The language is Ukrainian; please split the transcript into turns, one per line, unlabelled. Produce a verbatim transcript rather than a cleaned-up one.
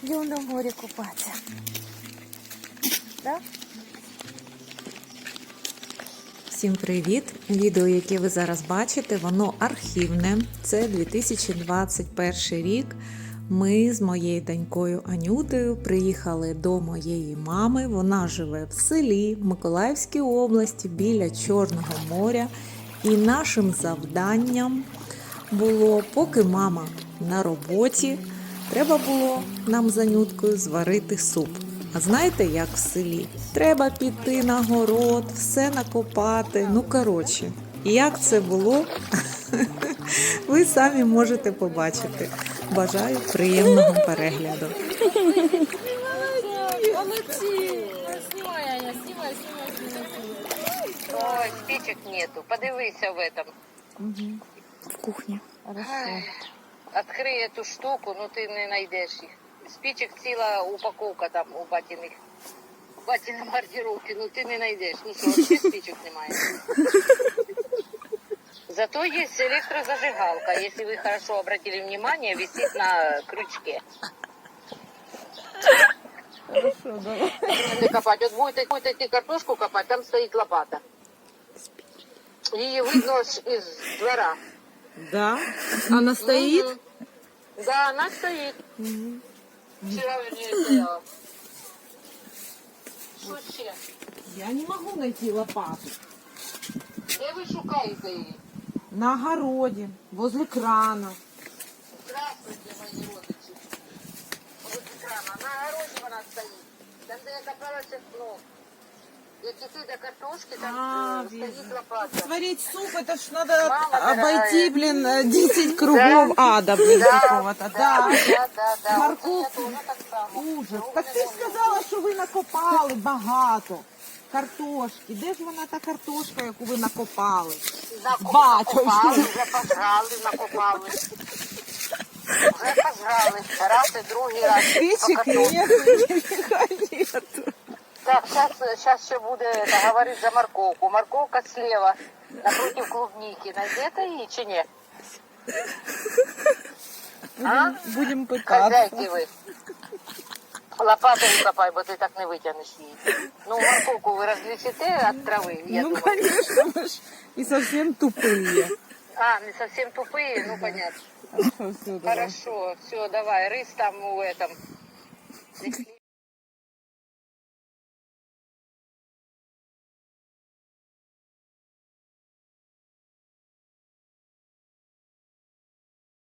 Йдемо на море купатися. Да?
Всім привіт! Відео, яке ви зараз бачите, воно архівне. Це дві тисячі двадцять перший рік. Ми з моєю донькою Анютою приїхали до моєї мами. Вона живе в селі в Миколаївській області біля Чорного моря. І нашим завданням було, поки мама на роботі, треба було нам з Анюткою зварити суп. А знаєте, як в селі? Треба піти на город, все накопати. Ну, коротше, як це було, ви самі можете побачити. Бажаю приємного перегляду.
Молодці! Знімай, Аня, знімай, знімай, знімай.
Ой, спичек нету. Подивися в этом.
Угу. В кухні. Хорошо.
Открий эту штуку, ну ти не знайдеш їх. Спичек ціла упаковка там у батіних. У батіних маркировки, ну ти не знайдеш. Ну що, взагалі спичек немає. Зато есть электрозажигалка, если вы хорошо обратили внимание, висит на крючке.
Хорошо, давай.
Будете копать. Вот будете, будете идти картошку копать, там стоит лопата. Ее видно из двора.
Да? Она стоит?
Мгм. Да, она стоит. Вчера у нее стояла. Що ще?
Я не могу найти лопату.
Де ви шукаєте її?
На огороде, возле крана.
Здравствуйте, мої родичі. Ось екрана. На огороді вона стоїть. Там, де я копалася, ну, як іти до картошки, там
А,
е, стоїть лопата.
Сварить суп, это ж надо
Мама
обойти,
дорогая.
блин, десять кругов ада, блин, какого-то. Да.
да, да, да.
Морковку.
Оце я теж так само.
Ужас.
Ну,
Так
не
ти ж
можу.
сказала, що ви накопали багато картошки. Де ж вона та картошка, яку ви накопали?
Нако-
Батюшки.
Накопали, вже пожрали, накопали. Вже пожрали. Раз і другий раз.
Спичек
По картошці.
нет, нету.
Так, сейчас ще буде говорити за морковку. Морковка слева, напротив клубники. Найдете її чи ні? А?
Будем пытаться.
Хозяйки ви. Лопатою копай, бо ти так не витягнеш її. Ну, морковку ви розлічите від трави, я
Ну,
думаю.
конечно, мы ж не совсем тупые.
А, не совсем тупые, ну, понятно.
Хорошо, все, давай.
Хорошо, все, давай, рис там у этом.